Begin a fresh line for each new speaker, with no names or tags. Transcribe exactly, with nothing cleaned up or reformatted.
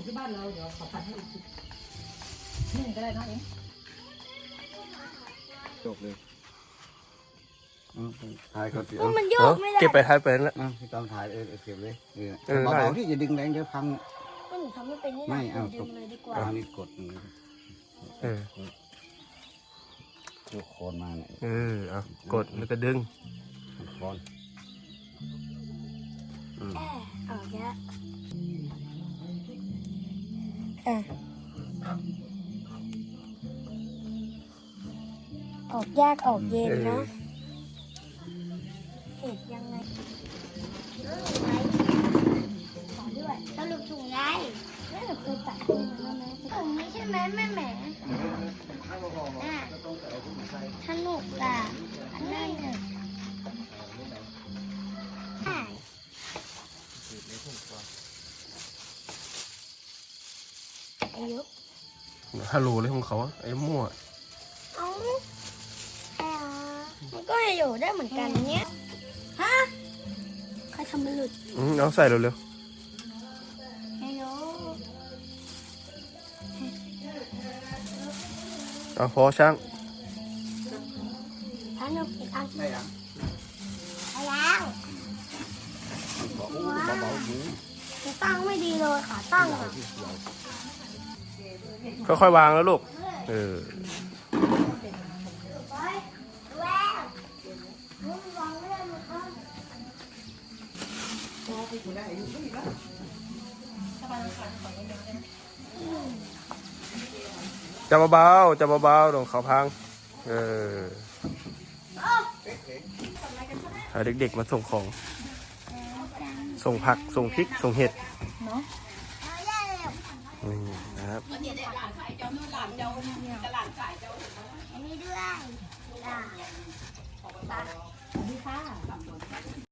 ที่บ้านเราเดี๋ยวขอพันให้อีกทีนี่ก็ได้นะเอง
จบเลยถ่ายก็ติด
มันโยกไม่ได้
เก็บไปท้ายไปแล้ว
พี่ต้องถ่ายเออเก็บเลยเออ
เออ
เบาๆที่จะดึงแรงเดี๋ยวพัง
ก็หนูทำไม่เป็นนี่
ไม่
นะ
เอา
ดึ
ต
ง
ก
เลยดีกว่า
เอานี่กดนี่
เออ
ลูกโคนมาเนี่ย
เออเอากดแล้วก็ดึง
โคน
อืม
แอบออกยากเออออกยากออกเย็นนะเห็ดยังไงขอด้วยสรุปถุงไงไม่หนูเคยตัดถุงมาไหมถุงนี้ใช่ไหมแม่แหม่อ่ะสนุกอ่ะอันนี้หนึ่งใช่อายุ
ฮัลโหลเลยของเขาอะไอ้มั่ว
เอ้าใครอ่ะมันก็อยู่ได้เหมือนกันเนี้ยฮะใครทำมันหลุด
อืมเอาใส่เร็ว
ไม่รู้
ๆเอาพอช่าง
ถ้าหนูอีกอัน
ได้ยัง
ไปแล้ว
เบาๆหู
หนูตั้งไม่ดีเลยขาตั้งอ่ะ
ค่อยๆวางแล้วลูกเออ
ไปแล้วหนูวางไม่ได้หนูตั้ง
จับเบาๆจับเบาๆตรงเขาพังเออพาเด็กๆมาส่งของส่งผักส่งพริกส่งเห็ด
เอาได้เลย
นี่นะครับ
อันนี้ด้วยอ่ะ
สวัสดีค่ะ